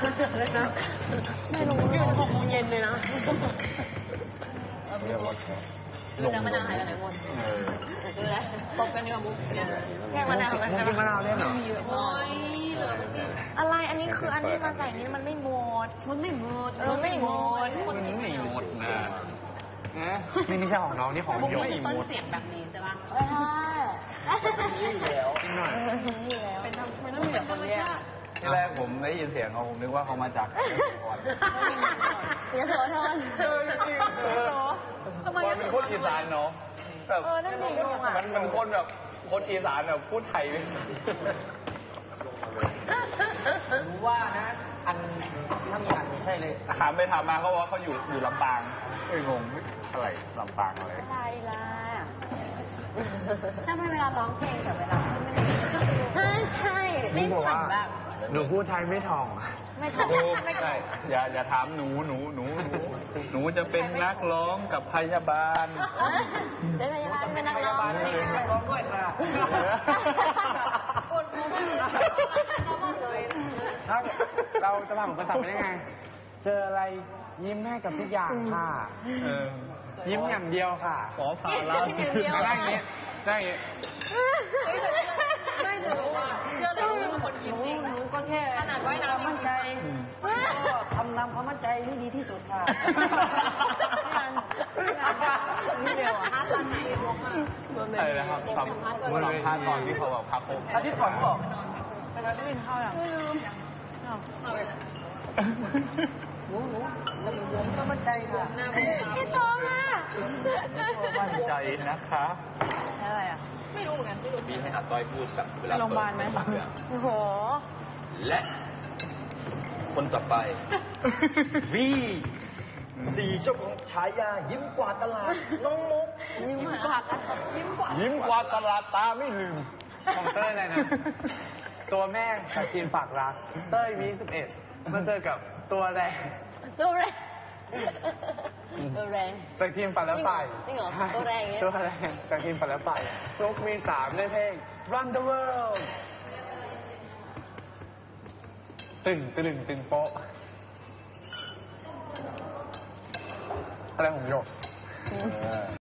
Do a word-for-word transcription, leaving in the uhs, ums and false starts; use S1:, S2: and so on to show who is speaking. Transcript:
S1: ไม่รู้อยู่หกโมงเย็นเลยนะดูแล้วมะนาวหายไปไหนหมดดูแลตบกันดีกว่ามุกแค่มะนาวกันนะมะนาวได้เหรอโอ้ยเหลืออะไรอันนี้คืออันที่มาใส่นี้มันไม่หมดมันไม่หมดมันไม่หมด
S2: มันไม่หมดนะ
S3: นี่ไม่ใช่ของน้องนี่ของโยม
S1: ต้นเสียงแบบนี้ใช่ปะใช่
S2: นี่แล้ว
S3: หน่อย
S1: นี่แล้วเป็นมันต้องมีแบบคนแยก
S2: ที่แรกผมได้ยินเสียงเขาผมนึกว่าเขามาจากก่อน
S1: เดี๋ยวโสธรทำไม
S2: เป็นคนอีสานเนาะแบบมันมันคนแบบคนอีสานแบบพูดไทยเลย
S3: รู้ว่านะอันถ้ามีอันนี้ใช่เลย
S2: ถามไปถามมาเขาว่าเขาอยู่อยู่ลำปางเอ้ยงงอะไรลำปางอะไร
S1: อะไรล่ะถ้าไม่เวลาร้องเพลงกับเวลาไม่ใช่ไม่ฝันแบบ
S3: หนูพูดไทยไม่ถ่อง
S1: ไม่ถ่อง
S2: ไม่ใช่อย่าอย่าถามหนูหนูหนูหนูจะเป็นนักร้องกับพยาบาล
S1: เป็นพยาบาลเป็นนักร้อง
S3: นักร้องด้วยค่ะ
S1: ปวดหัวมากเลย
S3: เราจะผ่านภาษาได้ไงเจออะไรยิ้มให้กับทุกอย่างค่ะยิ้มอย่างเดียวค่ะ
S2: ขอพาลา
S3: ได้อย่างนี้ได้อย่างนี้
S1: ไม่จะรู้ว่าเชื่อเลยว่าคนยิ้มจริงก็แค่ขนาดว่ายน้ำมั่นใจ
S3: ก็ทำนำความมั่นใจให้ดีที่สุดค่ะ
S1: นี่เดียวอ่ะห้าพันสี่บวกมา
S2: อะไรนะครับทำเมื่อสัมภาษณ์ตอนที่เขาแบบพักผม
S3: อาทิตย์ก่อนบอก
S1: ไปแล้วได้ยินข้าวยังไม่ลืม
S3: หนูหนูแล้วหนูก็มั่นใจค่ะ
S1: พี่โตมา
S2: มั่นใจนะคะ
S1: อะไรอ่ะไม่รู้เหมือนกันไม่รู้
S2: มีให้อัดต้อยพูดแบบเวลา
S1: โรงพยาบาลไหมโอ้โห
S2: และคนต่อไปวีสี่เจ้าของฉายายิ้มกว่าตลาดน้องมุก
S1: ยิ้มกว่ายิ้มกว่า
S2: ยิ้มกว่าตลาดตาไม่ลืม
S3: ของเต้ยอะไรนะตัวแม่กับทีมฝากรักเต้ยวีสิบเอ็ดมาเจอกับตัวแรง
S1: ตัวแรงตัวแรง
S3: จากทีมฝันแล้วไป
S1: จริงเหรอตัวแรงเงี้ย
S3: ตัวแรงจากทีมฝันแล้วไปลูกมีสามในเพลง Run the World ตึงตึงตึงโป๊ะอะไรของโยก